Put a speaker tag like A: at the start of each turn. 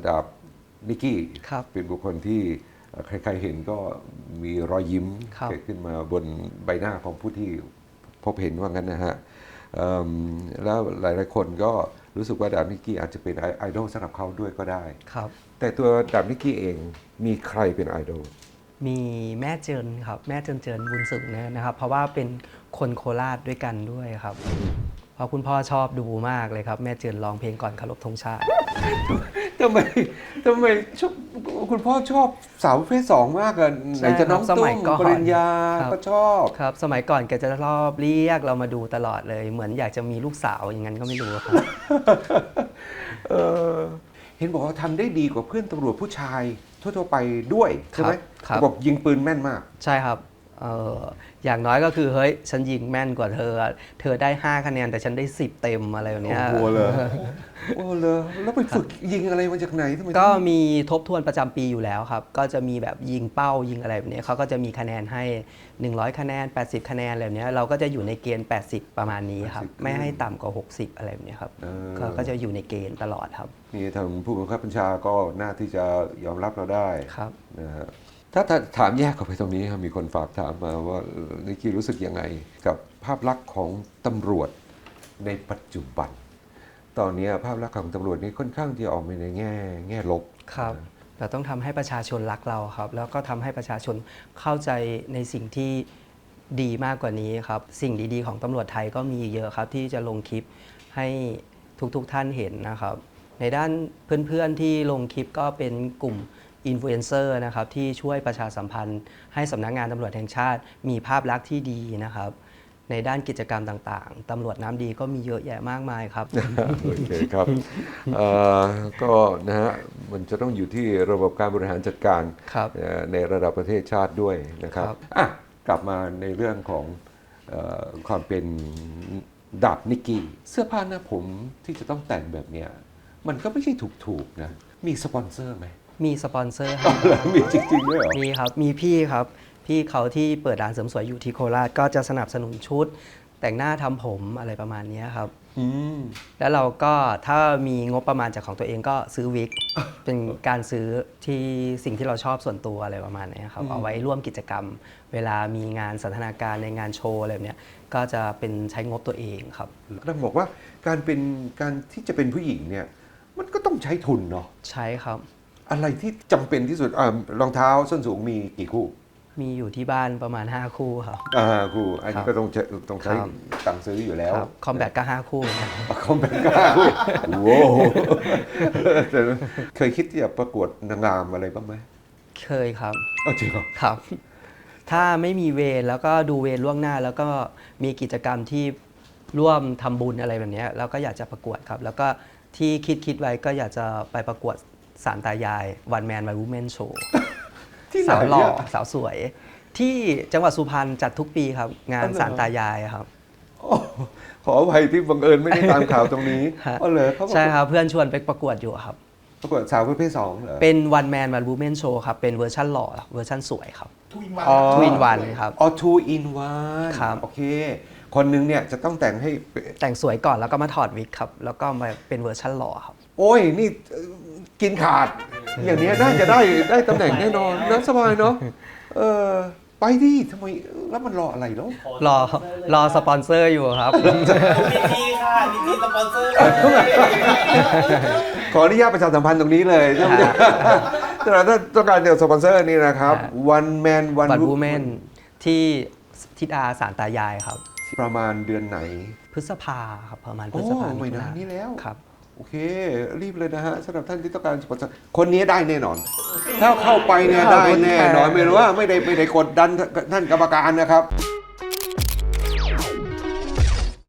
A: ดาบนิกกี้
B: ครับ
A: เป็นบุคคลที่ใครๆเห็นก็มีรอยยิ้ม
B: ครับ
A: เกิดขึ้นมาบนใบหน้าของผู้ที่พบเห็นว่างั้นนะฮะแล้วหลายๆคนก็รู้สึกว่าดาบนิกกี้อาจจะเป็นไอดอลสำหรับเขาด้วยก็ได้
B: ครับ
A: แต่ตัวดาบนิกกี้เองมีใครเป็นไอดอล
B: มีแม่เจินครับแม่เจินบุญสึกนะครับ เพราะว่าเป็นคนโคราชด้วยกันด้วยครับเพราะคุณพ่อชอบดูมากเลยครับแม่เจินร้องเพลงก่อนเคารพธงชาติ
A: ทำไมชอบคุณพ่อชอบสาวประเภทสองมากอะไหนจะน้อง
B: ส
A: ตุ้
B: มัย
A: ม
B: ก่อน
A: ปริญญา
B: ครับ
A: ก็ชอบ
B: ครับสมัยก่อนแกจะชอบเรียกเรามาดูตลอดเลย เหมือนอยากจะมีลูกสาวอย่างนั้นก็ไม่รู้ครับ
A: เห็นบอกว่าทำได้ดีกว่าเพื่อนตำรวจผู้ชายทั่วๆไปด้วยใช่ไหม
B: ครับ
A: บอกยิงปืนแม่นมาก
B: ใช่ครับอย่างน้อยก็คือเฮ้ยฉันยิงแม่นกว่าเธอ เธอได้5คะแนนแต่ฉันได้10เต็มอะไรแบบเนี้ย
A: โอ้โหเลยโอ้เลยแล้วไปฝึกยิงอะไรมาจากไหนทำไม
B: ก็มีทบทวนประจำปีอยู่แล้วครับก็จะมีแบบยิงเป้ายิงอะไรแบบนี้เขาก็จะมีคะแนนให้100คะแนน80คะแนนอะไรแบบนี้เราก็จะอยู่ในเกณฑ์80ประมาณนี้ครับไม่ให้ต่ำกว่า60อะไรแบบนี้ครับก็จะอยู่ในเกณฑ์ตลอดครับ
A: นี่ทางผู้บังคับบัญชาก็น่าที่จะยอมรับเราได้
B: ครับ
A: นะฮะถ้าถามแยกออกไปตรงนี้ครับมีคนฝากถามมาว่านิกกี้รู้สึกยังไงกับภาพลักษณ์ของตำรวจในปัจจุบัน ตอนนี้ภาพลักษณ์ของตำรวจนี่ค่อนข้างที่ออกมาในแง่ลบ
B: ครับเราต้องทำให้ประชาชนรักเราครับแล้วก็ทำให้ประชาชนเข้าใจในสิ่งที่ดีมากกว่านี้ครับสิ่งดีๆของตำรวจไทยก็มีเยอะครับที่จะลงคลิปให้ทุกท่านเห็นนะครับในด้านเพื่อนๆที่ลงคลิปก็เป็นกลุ่มอินฟลูเอนเซอร์นะครับที่ช่วยประชาสัมพันธ์ให้สำนักงานตำรวจแห่งชาติมีภาพลักษณ์ที่ดีนะครับในด้านกิจกรรมต่างๆตำรวจน้ำดีก็มีเยอะแยะมากมายครับ
A: โอเคครับก็นะฮะมันจะต้องอยู่ที่ระบบการบริหารจัดการ
B: ครับ
A: ในระดับประเทศชาติด้วยนะครับ
B: ครับ
A: กลับมาในเรื่องของความเป็นดาบนิกกี้เสื้อผ้าหน้าผมที่จะต้องแต่งแบบเนี้ยมันก็ไม่ใช่ถูกๆนะมีสปอนเซอร์ไหม
B: มีสปอนเซอร์ให้
A: มีจริงๆด้วยเหรอ
B: มีครับ มีพี่ครับ พี่เขาที่เปิดร้านเสริมสวยอยู่ที่โคราชก็จะสนับสนุนชุด แต่งหน้าทำผมอะไรประมาณนี้ครับ แล้วเราก็ถ้ามีงบประมาณจากของตัวเองก็ซื้อวิก เป็นการซื้อที่สิ่งที่เราชอบส่วนตัวอะไรประมาณนี้ครับ เอาไว้ร่วมกิจกรรม เวลามีงานสันทนาการในงานโชว์อะไรแบบเนี้ยก็จะเป็นใช้งบตัวเองครับ
A: ต้องบอกว่าการที่จะเป็นผู้หญิงเนี่ยมันก็ต้องใช้ทุนเนาะ
B: ใช้ครับ
A: อะไรที่จำเป็นที่สุดรองเท้าส้นสูงมีกี่คู่
B: มีอยู่ที่บ้านประมาณ5คู่ครับ
A: คู่อันนี้ก็ต้องใช้
B: ครับ
A: ตังค์ซื้ออยู่แล้ว
B: คอมแบทก็5คู่นะ
A: คอมแบทก็คู่โว้โหแต่เคยคิดที่จะประกวดนางงามอะไรบ้างไหม
B: เคยครับ
A: จริงเหรอ
B: ครับ ถ้าไม่มีเวรแล้วก็ดูเวรล่วงหน้า แล้วก็มีกิจกรรมที่ร่วมทำบุญอะไรแบบนี้แล้วก็อยากจะประกวดครับ แล้วก็ที่คิดไว้ก็อยากจะไปประกวดสารตายายวันแมนวันวูแมนโชว์
A: ที่ไหน
B: สาวหล่อ
A: เนี่ย
B: สาวสวย ที่จังหวัดสุพรรณจัดทุกปีครับ งานสารตายายครับ
A: โอ้ขออภัยที่บังเอิญไม่ได้ตามข่าวตรงนี้
B: ฮะ
A: อ๋อเหรอเขา
B: ใช่ครับเพื่อนชวนไปประกวดอยู่ครับ
A: ประกวดสาวประเภทสองเหรอ
B: เป็นวันแมนวันวูแมนโชว์ครับเป็นเวอร์ชั่นหล่อเวอร์ชั่นสวยครับ
A: อ๋อ
B: Two in one ครับ
A: two in one
B: ครับ
A: โอเค คนหนึงเนี่ยจะต้องแต่งให้
B: แต่งสวยก่อนแล้วก็มาถอดวิกครับแล้วก็มาเป็นเวอร์ชั่นหล่อครับ
A: โอ้ยนี่กินขาด อย่างนี้น่าจะได้ตำแหน่งแน่นอนนะสบายเนาะไปดิทำไมแล้วมันรออะไรแล้ว
B: รอสปอนเซอร์อยู่ครับ
C: มีทีค่ะมีทีสปอนเซอร์
A: ขออนุญาตประชาสัมพันธ์ตรงนี้เลยถ้าต้องการเดี๋ยวสปอนเซอร์นี่นะครับ one man
B: วัน
A: one
B: วูแมนที่ทิดาสารตายายครับ
A: ประมาณเดือนไหน
B: พฤษภาครับประมาณพ
A: โอ้
B: ฤษภา
A: ไม่นานนี้แล้ว
B: ครับ
A: โอเค รีบเลยนะฮะสำหรับท่านที่ต้องการสปอนเซอร์คนนี้ได้แน่นอน ถ้าเข้าไปเนี่ยได้แน่นอนไม่รู้ว่าไม่ได้กดดันท่านกรรมการนะครับ